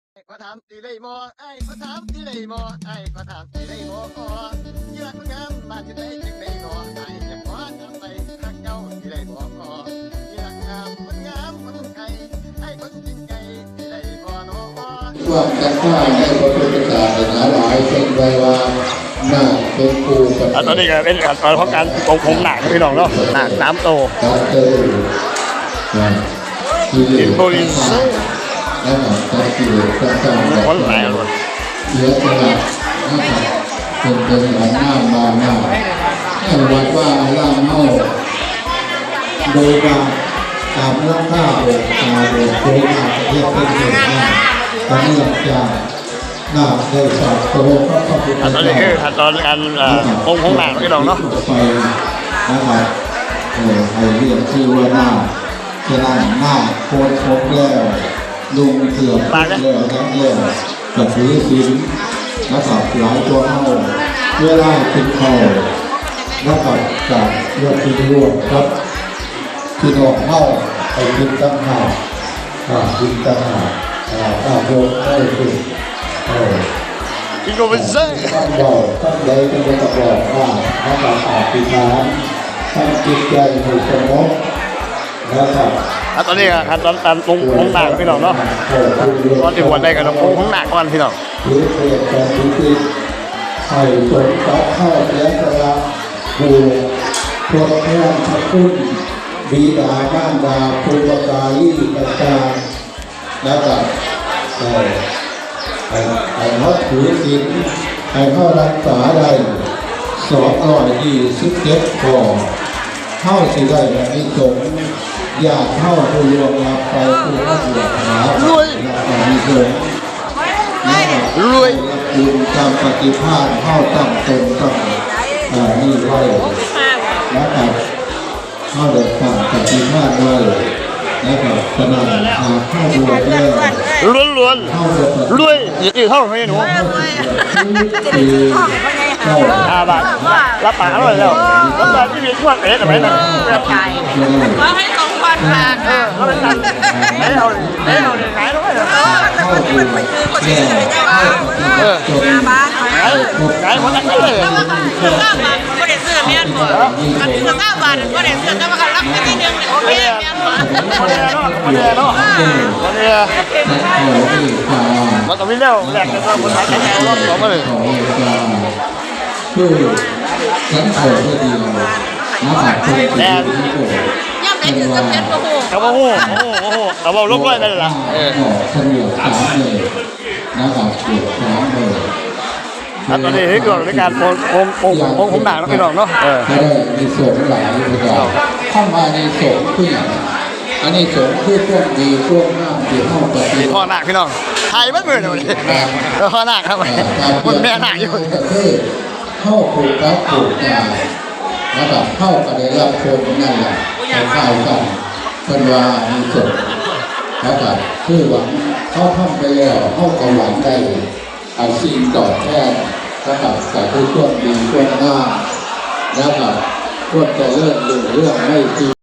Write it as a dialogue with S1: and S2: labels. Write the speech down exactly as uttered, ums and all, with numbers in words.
S1: ก็ถามตีได้บ่ไอ้ก็ถามตีได้บ่ไอ้ก็ถามตีได้บ่ก็เยือกงามบ้านอยู่ไหนจึงได้บ่ไอ้จะขอทำไปทักเจ้าตีได้บ่ก็เยือกงามคนงามคนไก่ไอ้คนจริงใจตีได้บ่เนาะ
S2: ว่ากันว่าในพระพุทธศาสนาหลายเป็นไว้ว่าหน้าเป็นครูกัน
S3: ตอนนี้ก็เป็นการเพราะการปงผมหนักพี่น้องเนาะหนักน้ำโต
S2: การเจอ
S3: อินโบลินซ์
S2: แล้วการกิเลสต่างๆ
S3: คนหลายคน
S2: เยอะขนาดนะครับเป็นเป็นหลายหน้ามาหน้าให้วัดว่าล่ามเมาโดยการตามเรื่องข้าวโดยตาโดยโครงการเรียกเป็นเหตุการณ์เนื่องจากหน้าได้สอบโตก็ต้องเป็นตอน
S3: นี้คือขั้นตอนการปงผมหนักพี่น้องเนาะ
S2: ไปนะครับเออไอเรียกชื่อว่าหน้าจะนั่งหน้าโคตรครบแล้วลุงเสือแล้วทั้งเรื่องกับถือศีลนะครับหลายตัวเข้าเวลากินข้าวนะครับจากเรื่องที่รวมครับที่นอกเข้าไปกินตั้งหากกินตั้งหากข้าวโพดได้กิน
S3: กินก็เป็นเซ่
S2: ตั้งบอกตั้งใจตั้งใจบอกว่าถ้าเราอาบปีน้ำตั้งจิตใจให้สงบนะครับ
S3: ตอนนี้ขั้นตอนการปรุงของหนักพี่น้องเนาะตอนที่หัวได้กับปรุงของหนักก่อนพี่น้อง
S2: หรือเปลี่ยนการคิดให้สมกับข้าวเลี้ยงกระบูทดแทนพระคุณบิดาบ้านดาภูมิกาลีต่างๆนะครับให้ให้เขาถือศีลให้เขารักษาได้สองร้อยยี่สิบเจ็ดข้อเข้าสิได้แบบนี้สงอยากเข้าผู้รวมรับไปผู้เข้าบวชหารวยมีเกิน
S3: รวย
S2: บุญตามปฏิภาณเข้าตั้งตนตั้งนี่ไว้นะครับเข้าเดินตามปฏิภาณไว้นะครับขนาดหาเข้าบวชแล้ว
S3: ล้วนล้วนรวยอีกเท่าไหร่หนูห้าบาทรับปากอร่อยแล้วรับปากที่มีช่วงเอ๊ะทำไมนะแบบไก่
S4: ก็ให้ตรงวันมา
S3: เออเขาเป็นนั่นไหนเอาไหนเอาไหนต้องให้เหรอเออห้าบาทไหนไหนคนนั้นเลย
S4: ห้าบาทก็ได้เสื้อเมียนบ่กันเสื้อห้าบาทก็ได้เสื้อแต่ว่ากันรับไปที่นึงโอเคเมียนบ่
S3: คนเดียวเนาะคนเดียวเนาะคนเดียวมันต้องมีเร็วแหลกกันคนไทยแข็งแรงรอบสองมาเลย
S2: คือฉันเอาเพื่อดีนะครับ
S3: แน่
S4: ย่ำไหนถึงจะเป็นโอ้โห
S3: กระโปงโอ้โหโอ้โหกระโปงลบด้วยนั่นแหละเออ
S2: เฉลี่ยสามเลยนะครับเกือบสามเลย
S3: ตอนนี้ที่เกิดในการโปงโปงโปงโปงผมหนักแล้วพี่น้องเนาะเออ
S2: ได้ในส่วนหลายอย่างเข้ามาในส่วนที่อันนี้ส่วนที่พวกดีพวกน้ำดีเข้าไป
S3: พ่อหนักพี่น้องไทยไม่เหมือนเลยพ่อหนักครับคนแม่หนักอยู่
S2: เข้าผูกกับผูกตานะครับเข้ากันได้รับชมนั่นแหละคล้ายกันเป็นว่ามีส่วนนะครับคือว่าเขาทำไปแล้วเข้ากับหวังได้อาชีพต่อแทนนะครับแต่คือช่วงดีช่วงหน้านะครับช่วงจะเลื่อนเรื่องไม่ดี